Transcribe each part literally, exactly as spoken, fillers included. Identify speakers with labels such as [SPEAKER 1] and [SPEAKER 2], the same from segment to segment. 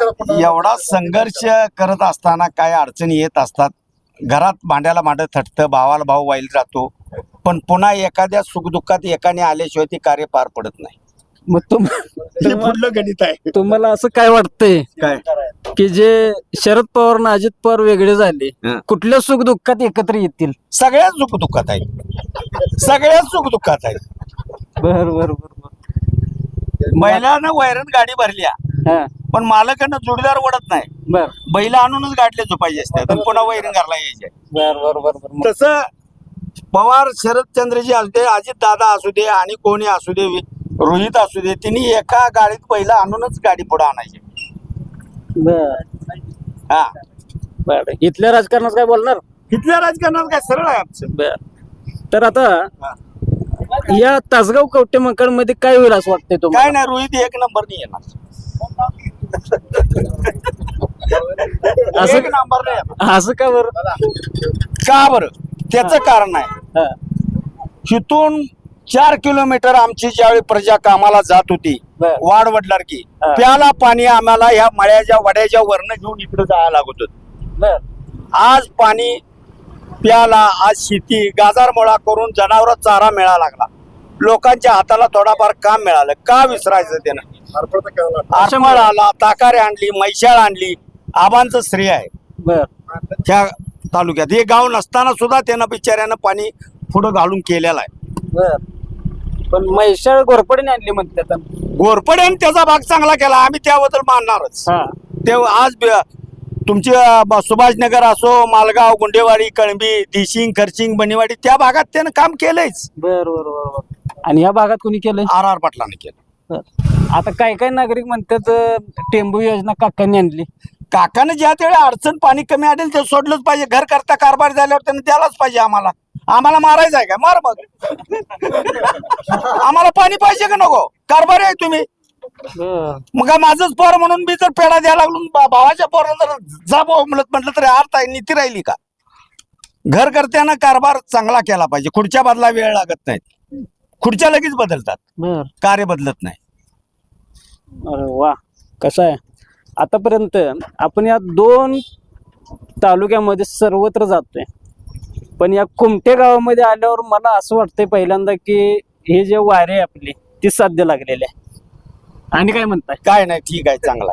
[SPEAKER 1] एवढा संघर्ष करत असताना काय अडचणी येत असतात. घरात भांड्याला भांड थटतं, भावाला भाव वाईल जातो, पण पुन्हा एखाद्या सुखदुःखात एकाने आल्याशिवाय ते कार्य पार पडत नाही.
[SPEAKER 2] मग तुम
[SPEAKER 1] हे पुढलं गणित आहे.
[SPEAKER 2] तुम्हाला असं काय वाटतंय
[SPEAKER 1] काय
[SPEAKER 2] की जे शरद पवार आणि अजित पवार वेगळे झाले,
[SPEAKER 1] हं.
[SPEAKER 2] कुठल्या सुख दुःखात एकत्र येतील?
[SPEAKER 1] सगळ्याच सुखदुःखात आहेत, सगळ्याच सुखदुःखात आहेत.
[SPEAKER 2] बर बर बर
[SPEAKER 1] बैलानं वैरण गाडी भरल्या,
[SPEAKER 2] हा
[SPEAKER 1] पण मालकानं जोडीदार ओढत नाही.
[SPEAKER 2] बर
[SPEAKER 1] बैल आणूनच गाडले झोपायचे असतात आणि पुन्हा वैरण घरला यायचे.
[SPEAKER 2] बर बर बर बर मग
[SPEAKER 1] तसं पवार शरदचंद्रजी असू दे, अजित दादा असू दे आणि कोणी असू दे, रोहित असू दे, तिने एका गाडीत पहिला आणूनच गाडी पुढे आणायची.
[SPEAKER 2] बर
[SPEAKER 1] हा,
[SPEAKER 2] बर इथल्या राजकारणात काय बोलणार?
[SPEAKER 1] इथल्या राजकारणात काय सरळ आहे आमचं.
[SPEAKER 2] बर तर आता
[SPEAKER 1] हा.
[SPEAKER 2] या तासगाव कवटे मंकाळ मध्ये काय होईल असं वाटतंय
[SPEAKER 1] काय
[SPEAKER 2] तुम्हाला?
[SPEAKER 1] नाही, रोहित एक नंबर नाही येणार.
[SPEAKER 2] असं
[SPEAKER 1] एक नंबर नाही येणार.
[SPEAKER 2] असं का बरं?
[SPEAKER 1] का बरं? त्याचं कारण आहे,
[SPEAKER 2] हा
[SPEAKER 1] इथून चार किलोमीटर आमची ज्यावेळी प्रजा कामाला जात होती,
[SPEAKER 2] बर.
[SPEAKER 1] वाढ वडलार की
[SPEAKER 2] हा.
[SPEAKER 1] प्याला पाणी आम्हाला ह्या मळ्याच्या वड्याच्या वरनं घेऊन इकडे जायला लागत होत.
[SPEAKER 2] बर
[SPEAKER 1] आज पाणी प्याला, आज शेती गाजारमोळा करून जनावर चारा मिळायला लागला, लोकांच्या हाताला थोडाफार काम मिळालं. का विसरायचं त्यानं? आरमळ आला, ताकारे आणली, मैशाळ आणली, आबांचं श्रेय आहे
[SPEAKER 2] बर
[SPEAKER 1] त्या तालुक्यात. हे गाव नसताना सुद्धा त्यानं बिचाऱ्यानं पाणी पुढं घालून केलेलं आहे.
[SPEAKER 2] बर पण म्हैसाळ घोरपडीने आणली म्हणतात.
[SPEAKER 1] घोरपड्याने त्याचा भाग चांगला केला, आम्ही त्याबद्दल मानणारच.
[SPEAKER 2] हा
[SPEAKER 1] ते आज ब- तुमची अ, सुभाषनगर असो, मालगाव, गुंडेवाडी, कळंबी, दिशिंग, खर्चिंग, बनीवाडी, त्या भागात त्यानं काम केलंयच.
[SPEAKER 2] बर बर बर बर आणि या भागात कुणी केलंय?
[SPEAKER 1] आर आर पाटलाने केलं.
[SPEAKER 2] बर. आता काय काय नागरिक म्हणतात अं, टेंबू योजना काकांनी आणली.
[SPEAKER 1] काकानं ज्या त्यावेळी अडचण पाणी कमी आढळेल ते सोडलंच पाहिजे. घर करता कारभार झाल्यावर त्यानं द्यायलाच पाहिजे. आम्हाला आम्हाला मारायचं आहे का? मार मग. आम्हाला पाणी पाहिजे का नको? कारभार आहे तुम्ही.
[SPEAKER 2] बर
[SPEAKER 1] मग काय माझंच पोर म्हणून मी जर पेढा द्यायला लागलो, बा- भावाच्या पोराला जर जा भाऊ म्हणत म्हटलं तरी अर्थ आहे, नीती राहिली का? घर करत्यानं कारभार चांगला केला पाहिजे. खुर्च्या बदला वेळ लागत नाही, खुर्च्या लगेच बदलतात,
[SPEAKER 2] बर
[SPEAKER 1] कार्य बदलत नाही.
[SPEAKER 2] अरे वा कसं आहे. आतापर्यंत आपण या दोन तालुक्यामध्ये सर्वत्र जातोय, पण या कुमटे गावामध्ये आल्यावर मला असं वाटतंय पहिल्यांदा की हे जे वारे आहे आपले ती साध्य लागलेले आहे. आणि काय म्हणताय?
[SPEAKER 1] काय नाही, ठीक आहे, चांगला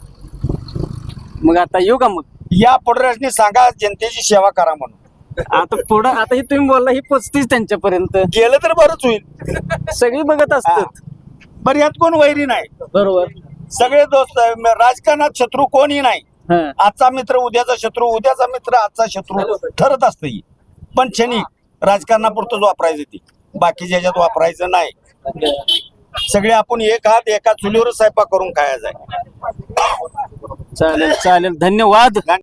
[SPEAKER 1] आहे.
[SPEAKER 2] मग आता येऊ का? मग
[SPEAKER 1] या पुढऱ्यासनी सांगा जनतेची सेवा करा म्हणून.
[SPEAKER 2] आता पुढं आता ही तुम्ही बोलला ही पोचतीच त्यांच्यापर्यंत,
[SPEAKER 1] गेलं तर बरंच होईल.
[SPEAKER 2] सगळी बघत असतात.
[SPEAKER 1] बरं, यात कोण वैरी नाही,
[SPEAKER 2] बरोबर.
[SPEAKER 1] सगळे दोस्त आहे. म- राजकारणात शत्रू कोणी नाही.
[SPEAKER 2] हा
[SPEAKER 1] आजचा मित्र उद्याचा शत्रू, उद्याचा मित्र आजचा शत्रू ठरत असतं ही. पण क्षणिक राजकारणापुरतच वापरायचं, ती बाकीच्या ह्याच्यात वापरायचं नाही. सगळे आपण एक हात एका चुलीवर स्वयंपाक करून खायचा आहे.
[SPEAKER 2] चालेल चालेल धन्यवाद.